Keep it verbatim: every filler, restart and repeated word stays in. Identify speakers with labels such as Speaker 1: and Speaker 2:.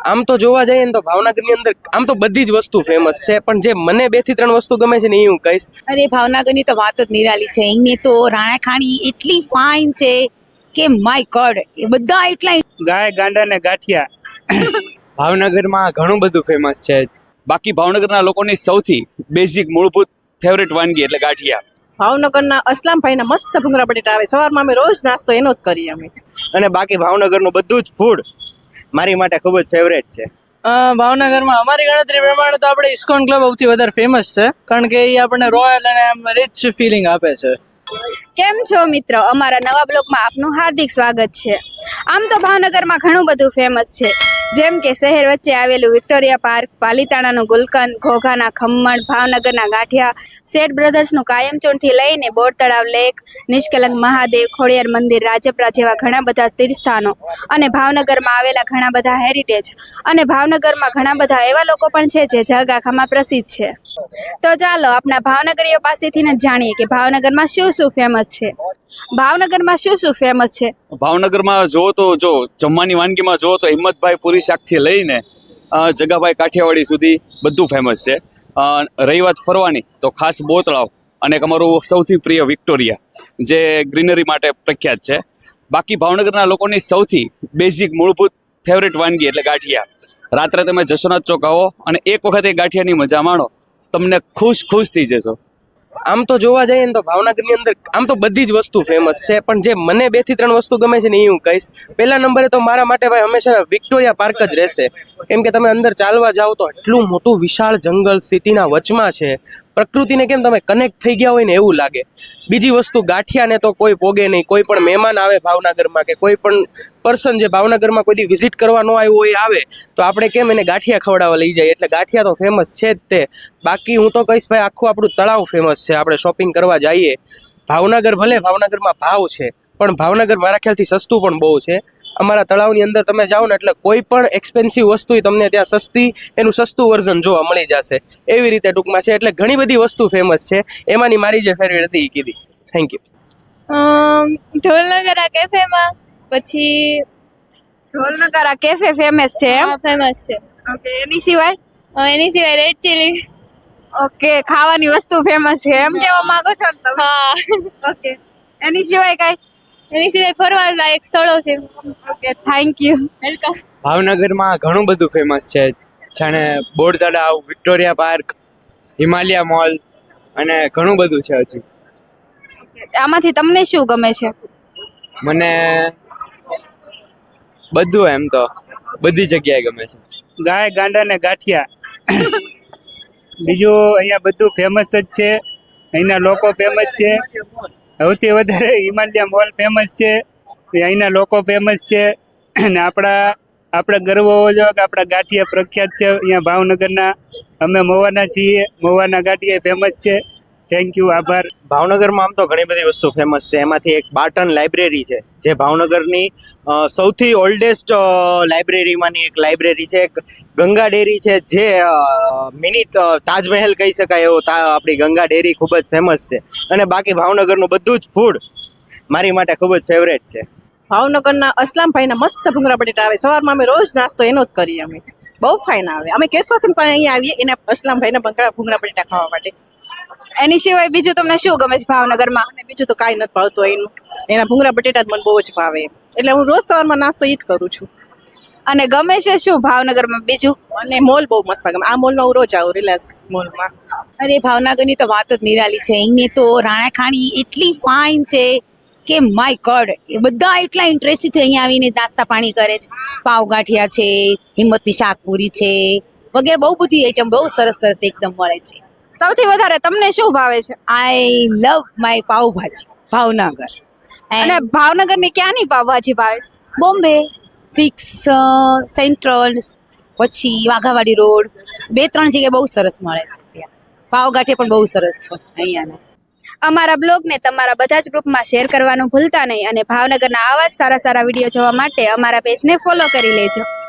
Speaker 1: આમ તો જોવા જઈએ ને તો ભાવનગરની અંદર આમ તો બધી જ વસ્તુ ફેમસ છે, પણ જે મને બે થી ત્રણ વસ્તુ ગમે છે ને એ હું કહીશ.
Speaker 2: અરે ભાવનગરની તો વાત જ નિરાલી છે. અહીંની તો રાણાખાણી એટલી ફાઇન છે કે માય ગોડ, એ બધા એટલા
Speaker 3: ગાય ગાંડા ને ગાંઠિયા.
Speaker 4: ભાવનગરમાં ઘણું બધું ફેમસ છે.
Speaker 5: બાકી ભાવનગરના લોકોની સૌથી બેઝિક મૂળભૂત ફેવરેટ વાનગી એટલે ગાંઠિયા.
Speaker 6: ભાવનગરના અસલામભાઈના મસ્ત ભૂંગળા બટેટા આવે, સવારમાં અમે રોજ નાસ્તો એનો જ કરીએ અમે.
Speaker 7: અને બાકી ભાવનગરનું બધું જ ફૂડ મારી માટે ખૂબ જ ફેવરેટ છે.
Speaker 8: ભાવનગરમાં અમારી ગણતરી પ્રમાણે તો આપણે ઇસ્કોન ક્લબ સૌથી વધારે ફેમસ છે, કારણ કે એ આપણને રોયલ અને આમ રિચ ફિલિંગ આપે છે.
Speaker 9: કેમ છો મિત્રો, અમારા નવા બ્લોગમાં આપનું હાર્દિક સ્વાગત છે. આમ તો ભાવનગરમાં ઘણું બધું ફેમસ છે, જેમ કે શહેર વચ્ચે આવેલું વિક્ટોરિયા પાર્ક, પાલીતાણાનું ગુલકંદ, ઘોઘાના ખમણ, ભાવનગરના ગાંઠિયા, શેઠ બ્રધર્સનું કાયમચૂણથી લઈને બોર તળાવ લેક, નિષ્કલંક મહાદેવ, ખોડિયાર મંદિર, રાજપરા જેવા ઘણા બધા તીર્થસ્થાનો અને ભાવનગરમાં આવેલા ઘણા બધા હેરિટેજ અને ભાવનગરમાં ઘણા બધા એવા લોકો પણ છે જે જગ આખામાં પ્રસિદ્ધ છે. તો ચાલો આપણા ભાવનગરીઓ પાસેથી જ જાણીએ કે ભાવનગરમાં શું શું ફેમસ છે. ભાવનગરમાં શું શું ફેમસ છે?
Speaker 5: ભાવનગરમાં જો તો જો જમવાની વાનગીમાં જો તો હિંમતભાઈ પૂરી શાકથી લઈને અ, જગાભાઈ કાઠિયાવાડી સુધી બધું ફેમસ છે. અ, રહી વાત ફરવાની તો ખાસ બોર તળાવ અને એક અમારું સૌથી પ્રિય વિક્ટોરિયા જે ગ્રીનરી માટે પ્રખ્યાત છે. બાકી ભાવનગરના લોકોની સૌથી બેઝિક મૂળભૂત ફેવરેટ વાનગી એટલે ગાંઠિયા. રાત્રે તમે જશોનાથ ચોક આવો અને એક વખત એ ગાંઠિયાની મજા માણો, તમને ખુશ ખુશ થઈ જશો.
Speaker 1: આમ તો જોવા જઈએ ને તો ભાવનગરની અંદર આમ તો બધી જ વસ્તુ ફેમસ છે, પણ જે મને બે થી ત્રણ વસ્તુ ગમે છે ને એ હું કહીશ. પહેલા નંબરે તો મારા માટે ભાઈ હંમેશા વિક્ટોરિયા પાર્ક જ રહેશે, કેમ કે તમે અંદર ચાલવા જાઓ તો એટલું મોટું વિશાળ જંગલ સિટીના વચમાં છે, પ્રકૃતિને કેમ તમે કનેક્ટ થઈ ગયા હોય ને એવું લાગે. બીજી વસ્તુ ગાંઠિયાને તો કોઈ પોગે નહીં, કોઈ પણ મહેમાન આવે ભાવનગરમાં કે કોઈ પણ પર્સન જે ભાવનગરમાં કોઈ દી વિઝિટ કરવા ન આવ્યો હોય આવે તો આપણે કેમ એને ગાંઠિયા ખવડાવવા લઈ જાય, એટલે ગાંઠિયા તો ફેમસ છે જ તે. બાકી હું તો કહીશ ભાઈ આખું આપણું તળાવ ફેમસ છે. આપણે શોપિંગ કરવા જઈએ ભાવનગર, ભલે ભાવનગરમાં ભાવ છે પણ ભાવનગર મારા ખ્યાલથી સસ્તું પણ બહુ છે. અમારા તળાવની અંદર તમે જાઓ ને એટલે કોઈ પણ એક્સપેન્સિવ વસ્તુ તમને ત્યાં સસ્તી એનું સસ્તું વર્ઝન જોવા મળી જશે, એવી રીતે ટૂંકમાં છે. એટલે ઘણી બધી વસ્તુ ફેમસ છે, એમાંની મારી જે ફેવરેટ હતી એ કીધી. Thank you.
Speaker 9: ઢોલનગરા કેફેમાં પછી ઢોલનગરા કેફે ફેમસ છે એમ?
Speaker 10: ફેમસ છે.
Speaker 9: ઓકે, એની સિવાય?
Speaker 10: એની સિવાય રેડ ચીલી.
Speaker 9: ઓકે, ખાવાની વસ્તુ ફેમસ છે એમ કહેવા માંગો છો ને તમે?
Speaker 10: હા.
Speaker 9: ઓકે, એની સિવાય કઈ?
Speaker 10: એની સિવાય ફરવા લાયક સ્થળો છે.
Speaker 9: Okay, thank you.
Speaker 10: વેલકમ.
Speaker 4: ભાવનગરમાં ઘણું બધું ફેમસ છે, જાણે બોર તળાવ, વિક્ટોરિયા પાર્ક, હિમાલયા મોલ અને ઘણું બધું છે હજી.
Speaker 9: આમાંથી તમને શું ગમે છે?
Speaker 4: મને બધું, એમ તો બધી જગ્યાએ ગમે છે.
Speaker 3: ગાય ગાંડા ને ગાંઠિયા. બીજું અહીંયા બધું ફેમસ જ છે, અહીંના લોકો ફેમસ છે. સૌથી વધારે હિમાલયા મોલ ફેમસ છે, અહીંના લોકો ફેમસ છે. અને આપણા આપણે ગર્વ હોવો જોઈએ કે આપણા ગાંઠિયા પ્રખ્યાત છે અહીંયા ભાવનગરના. અમે મહુવાના છીએ, મહુવાના ગાંઠિયા ફેમસ છે. થેન્ક યુ, આભાર.
Speaker 7: ભાવનગરમાં આમ તો ઘણી બધી વસ્તુ ફેમસ છે. એમાંથી એક બાર્ટન લાઇબ્રેરી છે જે ભાવનગરની અ, સૌથી ઓલ્ડેસ્ટ લાઇબ્રેરીમાંની એક લાઇબ્રેરી છે. એક ગંગા ડેરી છે જે મિની તાજમહેલ કહી શકાય એવો તા આપણી ગંગા ડેરી ખૂબ જ ફેમસ છે. અને બાકી ભાવનગરનું બધું જ ફૂડ મારી માટે ખૂબ જ ફેવરેટ છે.
Speaker 6: ભાવનગરના અસલામભાઈના મસ્ત ભૂંગળા બટેટા આવે, સવારમાં અમે રોજ નાસ્તો એનો જ કરીએ અમે. બહુ ફાઇન આવે. અમે કેશોથી પણ અહીંયા આવીએ એના અસલામભાઈના ભૂંગળા બટેટા ખાવા માટે.
Speaker 9: એની સિવાય બીજું તમને શું ગમે છે ભાવનગરમાં?
Speaker 6: અને બીજું તો કાંઈ નથી ભાવતું એનું, એના ભૂંગળા બટેટા જ મને બહુ જ ભાવે, એટલે હું રોજ સવારમાં નાસ્તો એ જ કરું છું.
Speaker 9: અને ગમે છે શું ભાવનગરમાં બીજું?
Speaker 6: અને મોલ બહુ મસ્ત ગમે. આ મોલમાં હું રોજ આવું, રિલાયન્સ મોલમાં.
Speaker 2: અરે ભાવનગરની તો વાત જ નિરાલી છે. અહીંની તો રાણાખાણી એટલી ફાઇન છે કે માય ગોડ, એ બધા એટલા ઇન્ટરેસ્ટથી અહીંયા આવીને નાસ્તા પાણી કરે છે. પાવ ગાંઠિયા છે, હિંમતની શાકપુરી છે વગેરે બહુ બધી આઈટમ બહુ સરસ સરસ એકદમ મળે છે.
Speaker 9: સૌથી વધારે તમને શું ભાવે છે?
Speaker 2: I love my pav bhaji Bhavnagar.
Speaker 9: અને ભાવનગરની ક્યાંની પાવભાજી ભાવે છે?
Speaker 2: બોમ્બે સિક્સ સેન્ટ્રલ, પછી વાઘાવાડી રોડ, બે ત્રણ જગ્યાએ બહુ સરસ મળે છે. ત્યાં પાવગાંઠિયા પણ બહુ સરસ છે અહીંયાના.
Speaker 9: અમારા બ્લોગને તમારા બધા જ ગ્રુપમાં શેર કરવાનું ભૂલતા નહીં અને ભાવનગરના આવા જ સારા સારા વિડીયો જોવા માટે અમારા પેજને ફોલો કરી લેજો.